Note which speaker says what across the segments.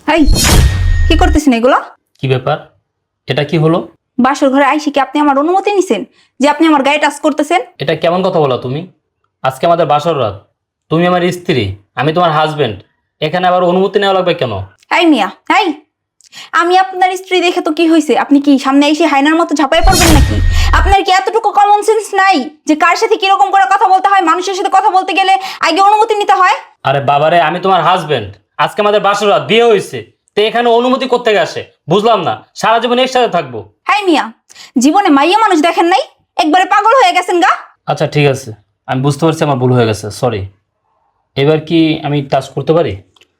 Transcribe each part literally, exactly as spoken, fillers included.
Speaker 1: এই কি করতেছেন এগুলো?
Speaker 2: কি ব্যাপার? এটা কি হলো?
Speaker 1: বাসর ঘরে আইসি কি আপনি আমার অনুমতি নিছেন যে আপনি আমার গায়ে টাচ করতেছেন?
Speaker 2: এটা কেমন কথা বলো তুমি? আজকে আমাদের বাসর রাত, তুমি আমার স্ত্রী, আমি তোমার হাজবেন্ড, এখানে আবার অনুমতি নেওয়া লাগবে কেন?
Speaker 1: এই মিয়া, এই আমি আপনার স্ত্রী দেখে তো কি হয়েছে? আপনি কি সামনে এসে হায়নার মতো ঝাঁপায় পড়বেন নাকি? আপনার কি এতটুকু কমন সেন্স নাই যে কার সাথে কিরকম করে কথা বলতে হয়? মানুষের সাথে কথা বলতে গেলে আগে অনুমতি নিতে হয়।
Speaker 2: আরে বাবারে, আমি তোমার হাজবেন্ড, আজকে আমাদের বাসর রাত, বিয়ে হয়েছে, তো এখানে অনুমতি কোত্থেকে আসে? বুঝলাম না, সারা জীবন একসাথে থাকবো।
Speaker 1: হাই মিয়া, জীবনে মাইয়া মানুষ দেখেন নাই? একবারে পাগল হয়ে গেছেন গা।
Speaker 2: আচ্ছা ঠিক আছে, আমি বুঝতে পারছি আমার ভুল হয়ে গেছে, সরি। এবার কি আমি টাচ করতে পারি?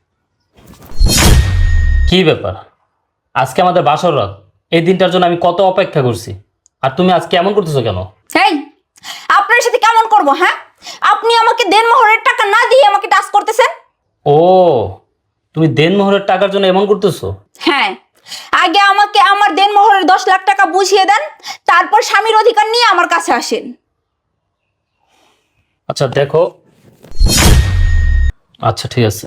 Speaker 2: কি ব্যাপার? আজকে আমাদের বাসর রাত, এই দিনটার জন্য আমি কত অপেক্ষা করছি, আর তুমি আজকে এমন করতেছো কেন?
Speaker 1: এই আপনার সাথে কেমন করব? হ্যাঁ, আপনি আমাকে দেনমোহরের টাকা না দিয়ে আমাকে টাচ করতেছেন।
Speaker 2: ও, তুমি দেনমোহরের টাকার জন্য এমন করতেছো?
Speaker 1: হ্যাঁ, আগে আমাকে আমার দেনমোহরের দশ লাখ টাকা বুঝিয়ে দেন, তারপর স্বামীর অধিকার নিয়ে আমার কাছে আসেন।
Speaker 2: আচ্ছা দেখো, আচ্ছা ঠিক আছে,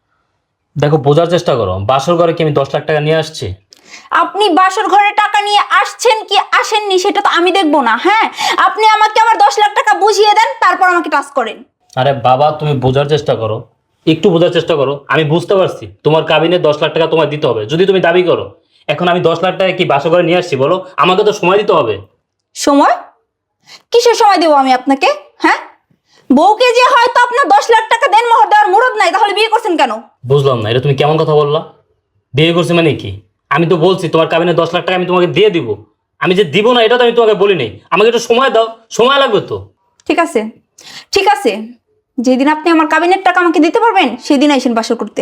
Speaker 2: দেখো বোঝার চেষ্টা করো, বাসর ঘরে কি আমি দশ লাখ টাকা নিয়ে আসছি?
Speaker 1: আপনি বাসর ঘরে টাকা নিয়ে আসছেন কি আসেননি সেটা তো আমি দেখবো না। হ্যাঁ, আপনি আমাকে আমার দশ লাখ টাকা বুঝিয়ে দেন, তারপর আমাকে টাচ করেন।
Speaker 2: আরে বাবা, তুমি বোঝার চেষ্টা করো, একটু বোঝার চেষ্টা করো। আমি বুঝতে পারছি তোমার কাবিনে দশ লাখ টাকা তোমায় দিতে হবে, যদি তুমি দাবি করো। এখন আমি দশ লাখ টাকা কি বাসর ঘরে নিয়ে আসছি বলো? আমাকে তো সময় দিতে হবে।
Speaker 1: সময়? কিসের সময় দেবো আমি আপনাকে? হ্যাঁ, বউকে যে হয়তো আপনার দশ লাখ টাকা দেনমোহর দেওয়ার মুরদ নাই, তাহলে বিয়ে করছেন কেন?
Speaker 2: বুঝলাম না, এটা তুমি কেমন কথা বললা? বিয়ে করছি মানে কি? আমি তো বলছি তোমার কাবিনে দশ লাখ টাকা আমি তোমাকে দিয়ে দিব। আমি যে দিব না এটা তো আমি তোমাকে বলি নাই। আমাকে একটু সময় দাও, সময় লাগবে তো।
Speaker 1: ঠিক আছে, ঠিক আছে, যেদিন আপনি আমার কাবিনের টাকা আমাকে দিতে পারবেন সেদিন আইসেন বাসর করতে।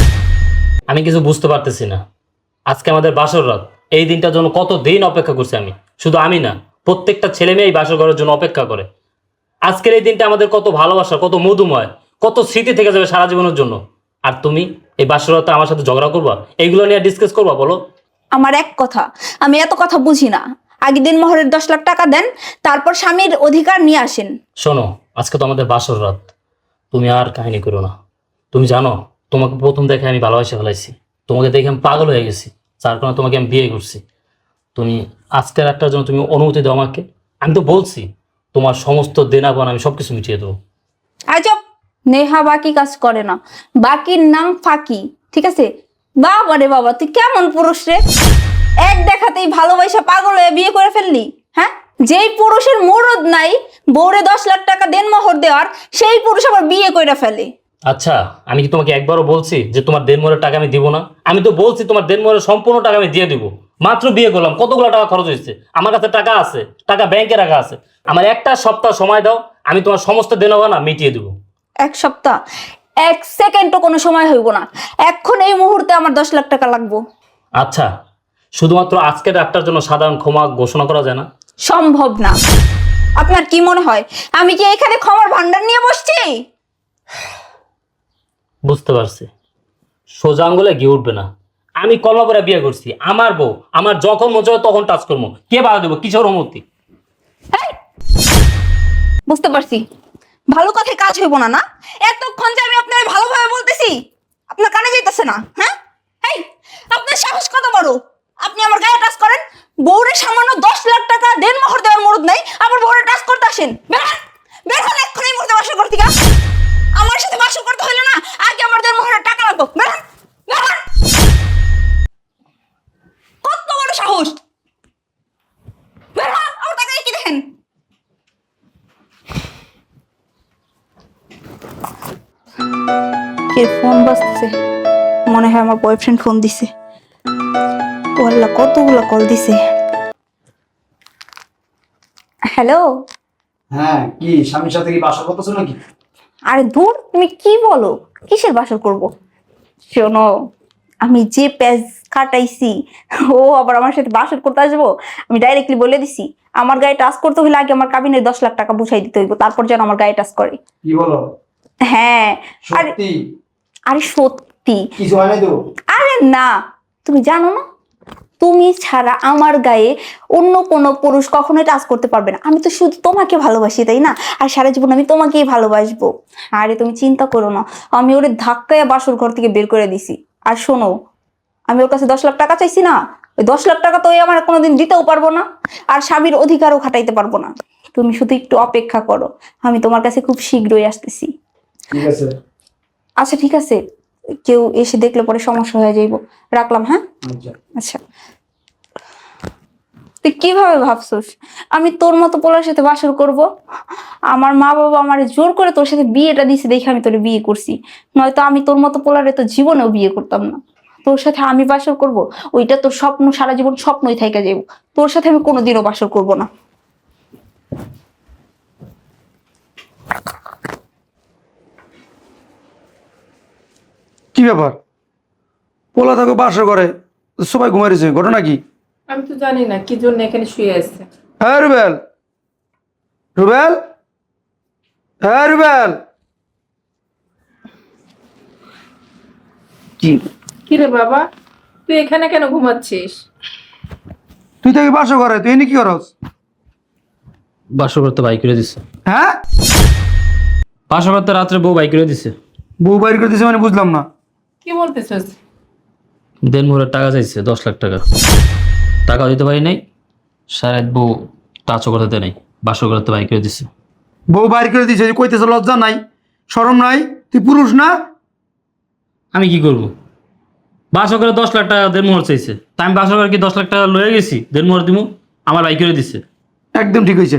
Speaker 2: আমি কিছু বুঝতে পারতেছি না। আজকে আমাদের বাসর রাত, এই দিনটার জন্য কত দিন অপেক্ষা করছি আমি। শুধু আমি না, প্রত্যেকটা ছেলে মেয়ে এই বাসর ঘরের জন্য অপেক্ষা করে। আজকের এই দিনটা আমাদের কত ভালোবাসা, কত মধুময়, কত স্মৃতি থেকে যাবে সারা জীবনের জন্য। আর তুমি এই বাসর রাতে আমার সাথে ঝগড়া করবা, এইগুলো নিয়ে ডিসকাস করবা বলো?
Speaker 1: আমার এক কথা, আমি এত কথা বুঝি না। আগে দিন মোহরের দশ লাখ টাকা দেন, তারপর স্বামীর অধিকার নিয়ে আসেন।
Speaker 2: শোনো, আজকে তো আমাদের বাসর রাত, তুমি আর কাহিনী করো না। তুমি জানো, তোমাকে প্রথম দেখে আমি ভালোবাসা ফেলাইছি, তোমাকে দেখে আমি পাগল হয়ে গেছি, যার কারণে তোমাকে আমি বিয়ে করছি। তুমি আজকের একটার জন্য তুমি অনুমতি দাও আমাকে। আমি তো বলছি তোমার সমস্ত দেনাপান আমি সবকিছু মিটিয়ে দেবো।
Speaker 1: আজব, নেহা বাকি কাজ করে না, বাকির নাম ফাঁকি। ঠিক আছে? বাবা রে বাবা, তুই কেমন পুরুষ রে! এক দেখাতেই ভালোবাসা পাগল হয়ে বিয়ে করে ফেললি। হ্যাঁ, যেই পুরুষের মুরদ নাই বউরে দশ লাখ টাকা দেনমোহর দেওয়ার, সেই পুরুষ আবার বিয়ে করে ফেলে।
Speaker 2: আচ্ছা, আমি কি তোমাকে একবারও বলছি যে তোমার দেনমোহরের টাকা আমি দিব না? আমি তো বলছি তোমার দেনমোহরের সম্পূর্ণ টাকা আমি দিয়ে দিব। মাত্র বিয়ে করলাম, কতগুলো টাকা খরচ হয়েছে, আমার কাছে টাকা আছে, টাকা ব্যাংকে রাখা আছে। আমার একটা সপ্তাহ সময় দাও, আমি তোমার সমস্ত দেনাপানা মিটিয়ে দেবো।
Speaker 1: এক সপ্তাহ? এক সেকেন্ডও কোনো সময় হইব না। এখন এই মুহূর্তে আমার দশ লাখ টাকা লাগবো।
Speaker 2: আচ্ছা, শুধুমাত্র আজকের রাতটার জন্য সাধারণ ক্ষমা ঘোষণা করা যায় না?
Speaker 1: সম্ভব না। আপনার কি মনে হয় আমি কি এখানে ক্ষমার ভান্ডার নিয়ে বসছি?
Speaker 2: বুঝতে পারছি, সোজা আঙ্গুলে ঘি উঠবে না। আমি কলমা করে বিয়ে করছি, আমার বউ, আমার যখন মন চায় তখন টাচ করবো। কে বাধা দেবো? কিসের অনুমতি?
Speaker 1: এই, বুঝতে পারছি, ভালো কথায় কাজ হইব না। না, এতক্ষণ যে আমি আপনার ভালোভাবে বলতেছি আপনার কানে যাইতেছে না। হ্যাঁ, এই আপনার সাহস কত বড়! আপনি আমার গায়ে টাচ করেন, বউরে সামান্য দশ লাখ টাকা দেনমোহর দেওয়ার মুরদ নাই, আবার বউরে টাচ করতে আসেন। বের হন, বের হন এক্ষুনি এই মুহূর্তে বাসর করতে। আমার সাথে বাসর করতে হইলো না, আগে আমার দেনমোহরের টাকা লাগবো। বের হন, বের হন। কত বড় সাহস! বের হন, আমার টাকা কি দেখেন? কে ফোন বাজতেছে? মনে হয় আমার বয়ফ্রেন্ড ফোন দিছে। ওয়াল্লা, কতগুলো কল দিছে। হ্যালো।
Speaker 3: হ্যাঁ, কি স্বামীর সাথে কি বাসা করতেছো নাকি?
Speaker 1: আরে দূর, তুমি কি বলো? কিসের বাসর করব? শোনো, আমি যে পেজ কাটাইছি ও আবার আমার সাথে বাসর করতে আসবো? আমি ডাইরেক্টলি বলে দিছি আমার গায়ে টাচ করতে হলে আগে আমার কাবিনের দশ লাখ টাকা বুঝাই দিতে হইব, তারপর যেন আমার গায়ে টাচ করে।
Speaker 3: কি বলো?
Speaker 1: হ্যাঁ। আরে
Speaker 3: সত্যি?
Speaker 1: আরে সত্যি।
Speaker 3: কিছু হয় নাই তো?
Speaker 1: আরে না, তুমি জানো না, তুমি ছাড়া আমার গায়ে অন্য কোনো পুরুষ কখনোই টাচ করতে পারবে না। আমি তো শুধু তোমাকে ভালোবাসি, তাই না? আর সারা জীবন আমি তোমাকেই ভালোবাসবো। আরে তুমি চিন্তা করো না, আমি ওরে ধাক্কায় বাসর ঘর থেকে বের করে দিছি। আর শোনো, আমি ওর কাছে দশ লাখ টাকা চাইছি না, ওই দশ লাখ টাকা তো ওই আমার কোনোদিন দিতেও পারবো না, আর স্বামীর অধিকারও খাটাইতে পারবো না। তুমি শুধু একটু অপেক্ষা করো, আমি তোমার কাছে খুব শীঘ্রই আসতেছি।
Speaker 3: ঠিক আছে।
Speaker 1: আচ্ছা ঠিক আছে, কেউ এসে দেখলে পরে সমস্যা হয়ে যাইব, রাখলাম। হ্যাঁ
Speaker 3: আচ্ছা।
Speaker 1: আচ্ছা, তুই কিভাবে ভাবছস আমি তোর মতো পোলার সাথে বাসর করব? আমার মা বাবা আমার জোর করে তোর সাথে বিয়েটা দিছে দেখে আমি তোরে বিয়ে করছি, নয়তো আমি তোর মতো পোলারে তো জীবনেও বিয়ে করতাম না। তোর সাথে আমি বাসর করব, ওইটা তোর স্বপ্ন, সারা জীবন স্বপ্নই থাইকা যাইব। তোর সাথে আমি কোনোদিনও বাসর করব না।
Speaker 4: কি ব্যাপার? পোলা থাকো বাসা করে, সবাই ঘুমাইছে, ঘটনা কি?
Speaker 5: আমি তো জানি না কি জন্য এখানে শুয়ে আছে।
Speaker 4: হ্যাঁ রুবেল, রুবেল, হ্যাঁ রুবেল। কি
Speaker 5: কি রে বাবা, তুই এখানে কেন ঘুমাচ্ছিস?
Speaker 4: তুই থাকি বাসা করে, তুই এনে কি করস?
Speaker 2: বাসর করতে বাইক করে দিছে।
Speaker 4: হ্যাঁ,
Speaker 2: বাসর করতে রাত্রে বউ বাইক করে দিছে।
Speaker 4: বউ বাইর করে দিছে মানে বুঝলাম না।
Speaker 5: কি বলতেছিস?
Speaker 2: দেন মোহরের টাকা চাইছে দশ লাখ টাকা, টাকা দিতে পারি নাই। সারা রাত বউ টাচও করতে নাই, বাসর করতে বাইক করে দিছে।
Speaker 4: বউ বাইর করে দিছে, কইতেছে লজ্জা নাই, শরম নাই? তুই পুরুষ না?
Speaker 2: আমি কি করব? বাসর করে দশ লাখ টাকা দেন মোহর চাইছে, তা আমি বাসর করে কি দশ লাখ টাকা লয়ে গেছি দেন মোহর দিব? আমার বাইক করে দিছে।
Speaker 4: একদম ঠিক হয়েছে,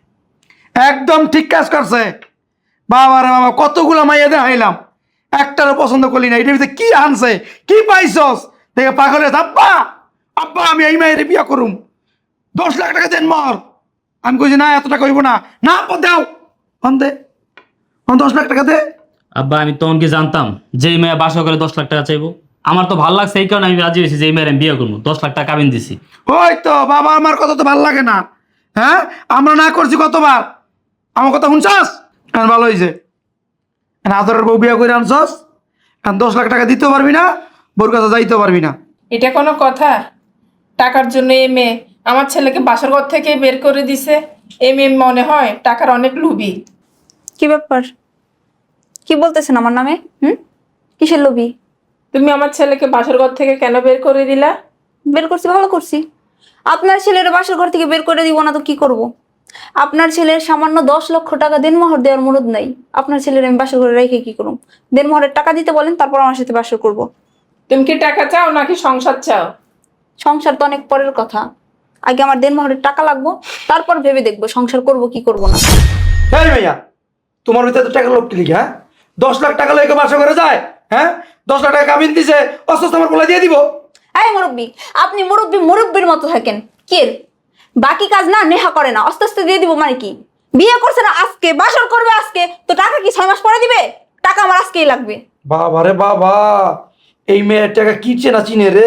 Speaker 4: একদম ঠিক কাজ করছে। বাবা রে বাবা, কতগুলো মাইয়া দেখাইলাম, একটারও পছন্দ করলি না। এটার ভিতরে কি আনছে, কি পাইছস? দেখে পাগল হয়ে আব্বা, আব্বা আমি এই মায়ের বিয়া করুম, দশ লাখ টাকা দেন মর। আমি কইছি না, এত টাকা হইব না। না আব্বা দাও, অন দে, অন দশ লাখ টাকা দে।
Speaker 2: আব্বা আমি তখন কি জানতাম যে এই মেয়ে বাসর করে দশ লাখ টাকা চাইবো? আমার তো ভালো লাগছে এই কারণে আমি রাজি হয়েছি যে এই মেয়ের আমি বিয়ে করবো, দশ লাখ টাকা কাবিন দিছি।
Speaker 4: ওই তো বাবা, আমার কথা তো ভাল লাগে না? হ্যাঁ, আমরা না করছি কতবার, আমার কথা শুনছস? এখন ভালো হয়েছে, আদরের বউ বিয়া করে আনছস, এখন দশ লাখ টাকা দিতেও পারবি না, বোর কাছে যাইতেও পারবি না।
Speaker 5: এটা কোনো কথা? টাকার জন্য এই মেয়ে আমার ছেলেকে বাসর ঘর থেকে বের করে দিছে। এই মেয়ে মনে হয় টাকার অনেক লোভী।
Speaker 1: কি ব্যাপার, কি বলতেছেন আমার নামে? হুম, কিসের লোভী?
Speaker 5: তুমি আমার ছেলেকে বাসর ঘর থেকে কেন বের করে দিলা?
Speaker 1: বের করছি, ভালো করছি। আপনার ছেলের বাসর ঘর থেকে বের করে দিব না তো কি করব? আপনার ছেলের সামান্য দশ লক্ষ টাকা দেনমোহর দেওয়ার মুরদ নাই, আপনার ছেলের আমি বাসর ঘরে রেখে কি করব? দেনমোহরের টাকা দিতে বলেন, তারপর আমার সাথে বাসর করব।
Speaker 5: তুমি কি টাকা চাও নাকি সংসার চাও?
Speaker 1: সংসার তো অনেক পরের কথা, আগে আমার দেনমোহরের টাকা লাগবো, তারপর ভেবে দেখবো সংসার করব কি করব না।
Speaker 4: হ্যাঁ ভাইয়া, তোমার ভিতরে তো টাকা লোক লিখে, হ্যাঁ? দশ লাখ টাকা লোক বাসা করে যায়, হ্যাঁ? দশ লাখ টাকা কামিন দিছে, অস্ত আমার বলে দিয়ে দিব।
Speaker 1: এই মুরব্বী, আপনি মুরব্বী মুরব্বীর মতো থাকেন। কে বাকি কাজ না নেহা করে না, আস্তে আস্তে দিয়ে দিব মানে কি? বিয়ে করছে না আজকে, বাসর করবে আজকে, তো টাকা কি ছয় মাস পরে দিবে? টাকা আমার আজকেই লাগবে।
Speaker 4: বাবা রে বাবা, এই মেয়ের টাকা কি চেনা চিনে রে।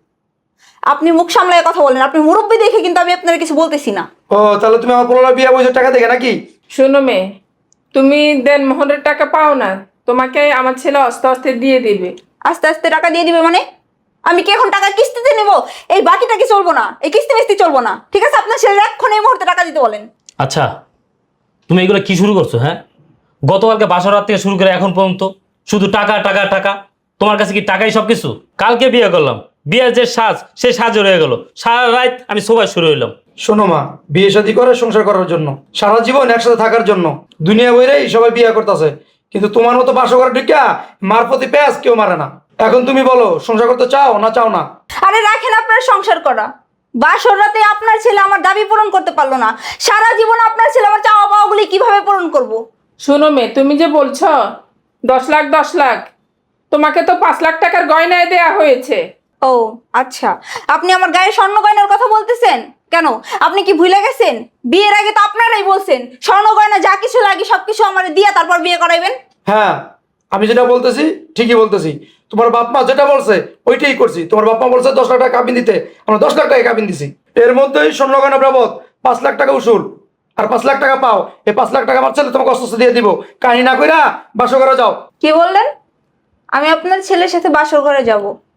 Speaker 1: আপনি মুখ সামলায় কথা বলেন, আপনি মুরব্বী দেখে কিন্তু আমি আপনার কিছু বলতেছি না।
Speaker 4: ও তাহলে তুমি আমার পোলার বিয়া বইছো টাকা দেখে নাকি?
Speaker 5: শোনো মেয়ে, তুমি দেন মোহরের টাকা পাও না, তোমাকে আমার ছেলে আস্তে আস্তে দিয়ে দিবে।
Speaker 1: আস্তে আস্তে টাকা দিয়ে দিবে মানে? আমি কি এখন টাকা কিস্তিতে নেব? এই বাকিটা কি চলবো না? এই কিস্তি মিস্তি চলবো না, ঠিক আছে? আপনার ছেলে এখন এই মুহূর্তে টাকা দিতে বলেন।
Speaker 2: আচ্ছা তুমি এগুলো কি শুরু করছো? হ্যাঁ, গতকালকে বাসর রাত থেকে শুরু করে এখন পর্যন্ত শুধু টাকা টাকা টাকা। তোমার কাছে কি টাকাই সব কিছু? কালকে বিয়ে করলাম, বিয়ের যে সাজ সে সাজ রয়ে গেল, সারা রাত আমি সবাই শুরু হইলাম।
Speaker 4: শোনো মা, বিয়ে শাদী করে সংসার করার জন্য, সারা জীবন একসাথে থাকার জন্য দুনিয়া বইরেই সবাই বিয়ে করতেছে, কিন্তু তোমার মতো বাসা করে ঢুকিয়া মার প্রতি প্যাঁচ কেউ মারে না। এখন তুমি বলো, সংসার করতে চাও না চাও না?
Speaker 1: আরে রাখেন আপনার সংসার করা, বাসর রাতে আপনার ছেলে আমার দাবি পূরণ করতে পারলো না, সারা জীবন আপনার ছেলে আমার চাওয়া পাওয়াগুলি কিভাবে পূরণ করব?
Speaker 5: শোনো মেয়ে, তুমি যে বলছো দশ লাখ দশ লাখ, তোমাকে তো পাঁচ লাখ টাকার গয়নায় দেয়া হয়েছে।
Speaker 1: ও আচ্ছা, আপনি আমার গায়ে স্বর্ণ গয়নার কথা বলতেছেন কেন? আপনি কি ভুলে গেছেন বিয়ের আগে তো আপনারাই বলছেন স্বর্ণ গয়না যা কিছু লাগে সবকিছু আমার দিয়া তারপর বিয়ে করাইবেন।
Speaker 4: হ্যাঁ, আমি যেটা বলতেছি ঠিকই বলতেছি। তোমার বাপ মা যেটা বলছে ওইটাই করছি। তোমার বাপ মা বলছে দশ লাখ টাকা কাবিন দিতে, আমরা দশ লাখ টাকা কাবিন দিছি। এর মধ্যেই স্বর্ণ গয়না বাবদ পাঁচ লাখ টাকা উসুল, আর পাঁচ লাখ টাকা পাও। এই পাঁচ লাখ টাকা আমার ছেলে তোমাকে অস্ত দিয়ে দিব, কাহিনী না কইরা বাসা করে যাও।
Speaker 1: কি বললেন? আমি আপনার ছেলের সাথে বাসর ঘরে যাব?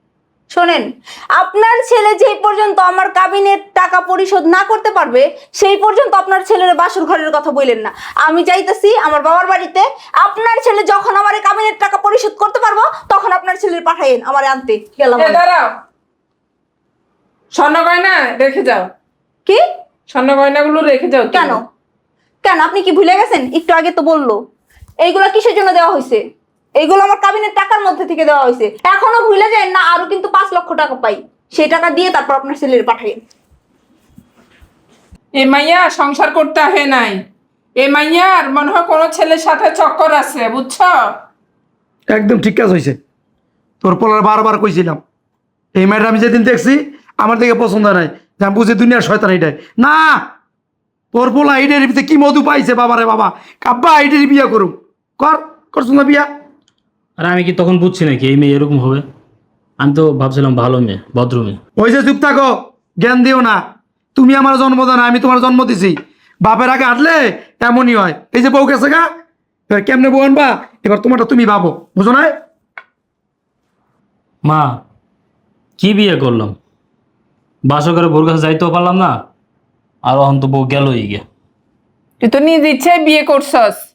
Speaker 1: শোনেন, আপনার ছেলে যেই পর্যন্ত আমার কাবিনের টাকা পরিশোধ না করতে পারবে সেই পর্যন্ত আপনার ছেলের বাসর ঘরের কথা বললেন না। আমি যাইতেছি আমার বাবার বাড়িতে, আপনার ছেলে যখন আমার এই কাবিনের টাকা পরিশোধ করতে পারবো তখন আপনার ছেলের পাঠাইন আমার আনতে গেলাম।
Speaker 5: এ দাঁড়াও, স্বর্ণ গয়না রেখে যাও।
Speaker 1: কি?
Speaker 5: স্বর্ণ গয়নাগুলো রেখে যাও। তুমি।
Speaker 1: কেন কেন আপনি কি ভুলে গেছেন? একটু আগে তো বললো। এইগুলা কিসের জন্য দেওয়া হয়েছে? এইগুলো আমার কাবিনের টাকার মধ্যে থেকে দেওয়া হয়েছে। এখনো ভুলে যায় না, আরো কিন্তু পাঁচ লক্ষ টাকা পাই, সেই টাকা দিয়ে তারপর আপনার ছেলের পাঠাইন।
Speaker 5: এ মাইয়া সংসার করতে আহে নাই, এ মাইয়ার মনে হয় কোনো ছেলের সাথে চক্কর আছে, বুঝছো?
Speaker 4: একদম ঠিক কাজ হয়েছে। তোর পোলার বারবার কইছিলাম, এই মেয়েটা আমি যেদিন দেখছি আমার দিকে পছন্দ নাই, যে আমি বুঝি দুনিয়ার শয়তান এইটাই না। তোর পোলা এইটার ভিতরে কি মধু পাইছে বাবারে বাবা, কাব্বা এইটার বিয়া করুক। কর করছো না বিয়া?
Speaker 2: আর আমি কি তখন বুঝছি নাকি এই মেয়ে এরকম হবে? আমি তো ভাবছিলাম ভালো মেয়ে, ভদ্র মেয়ে।
Speaker 4: ওই যে চুপ থাকো, জ্ঞান দিও না। তুমি আমার জন্ম দাও না, আমি তোমার জন্ম দিছি। বাপের আগে হাঁটলে এমনই হয়। এই যে বউ গেছে গা, এবার কেমনে বউ আনবা, এবার তোমারটা তুমি ভাবো, বুঝো না?
Speaker 2: মা, কি বিয়ে করলাম, বাসর করে বউর কাছে যাইতেও পারলাম না, আর অহন তো বউ গেলই গে।
Speaker 5: তুই তো নিজ ইচ্ছে বিয়ে করছস।